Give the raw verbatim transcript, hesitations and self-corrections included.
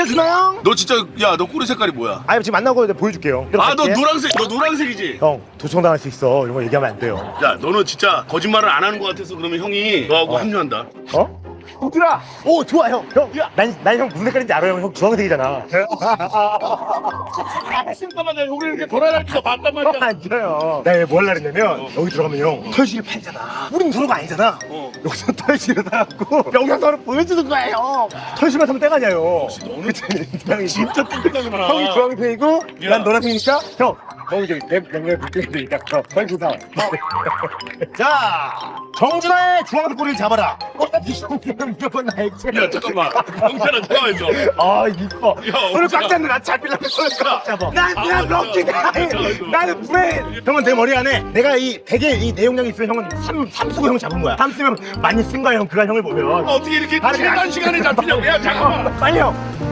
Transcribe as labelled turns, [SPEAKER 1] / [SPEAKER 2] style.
[SPEAKER 1] 준하
[SPEAKER 2] 너 진짜 야 너 꼬리 색깔이 뭐야?
[SPEAKER 1] 아 지금 만나고 이제 보여줄게요.
[SPEAKER 2] 아 너 노란색 너 노란색이지?
[SPEAKER 1] 형 도청당할 수 있어. 이런 거 얘기하면 안 돼요.
[SPEAKER 2] 야 너는 진짜 거짓말을 안 하는 것 같아서 그러면 형이 너하고
[SPEAKER 1] 어.
[SPEAKER 2] 합류한다.
[SPEAKER 1] 어? 형들아! 오 좋아 형! 형! 난, 난 형 무슨 색깔인지 알아요. 형 주황색이잖아.
[SPEAKER 2] 잠깐만 내가 우리 이렇게 돌아다니면서 봤단 말이야.
[SPEAKER 1] 안 돼요. 내가 뭐 하려고 했냐면 여기 들어가면 형 털실을 팔잖아. 우린 서로가 아니잖아.
[SPEAKER 2] 어.
[SPEAKER 1] 여기서 털실을 사갖고 영상으로 보여주는 거예요. 털실만 사면 때가냐요.
[SPEAKER 2] 너는
[SPEAKER 1] 그치? 형이
[SPEAKER 2] 진짜 뚱뚱하구나.
[SPEAKER 1] 형이 주황색이고
[SPEAKER 2] 야.
[SPEAKER 1] 난 노란색이니까 형 형이 저기 내 명령을 붙여야 되니까 형 빨리 주사. 자 정준하의 주황색 꼬리를 잡아라. 어, 나 무조건 나의
[SPEAKER 2] 야 잠깐만 경찰아 잠깐만 있어.
[SPEAKER 1] 아 이뻐.
[SPEAKER 2] 야,
[SPEAKER 1] 오늘
[SPEAKER 2] 어디가?
[SPEAKER 1] 꽉 잡는 나 잡히려면 손을 꽉 잡아. 난
[SPEAKER 2] 아,
[SPEAKER 1] 그냥
[SPEAKER 2] 맞아.
[SPEAKER 1] 럭키다.
[SPEAKER 2] 맞아, 맞아.
[SPEAKER 1] 나는 브레인. 형은 내 머리 안에 내가 이 되게 이 내용량이 있으면 형은 삼 삼수고 형 잡은 거야. 삼수면 많이 쓴 거야 형. 그간 형을 보면.
[SPEAKER 2] 어떻게 이렇게
[SPEAKER 1] 다른
[SPEAKER 2] 최단 시간에 잡히냐고. 야 잠깐만.
[SPEAKER 1] 빨리 형.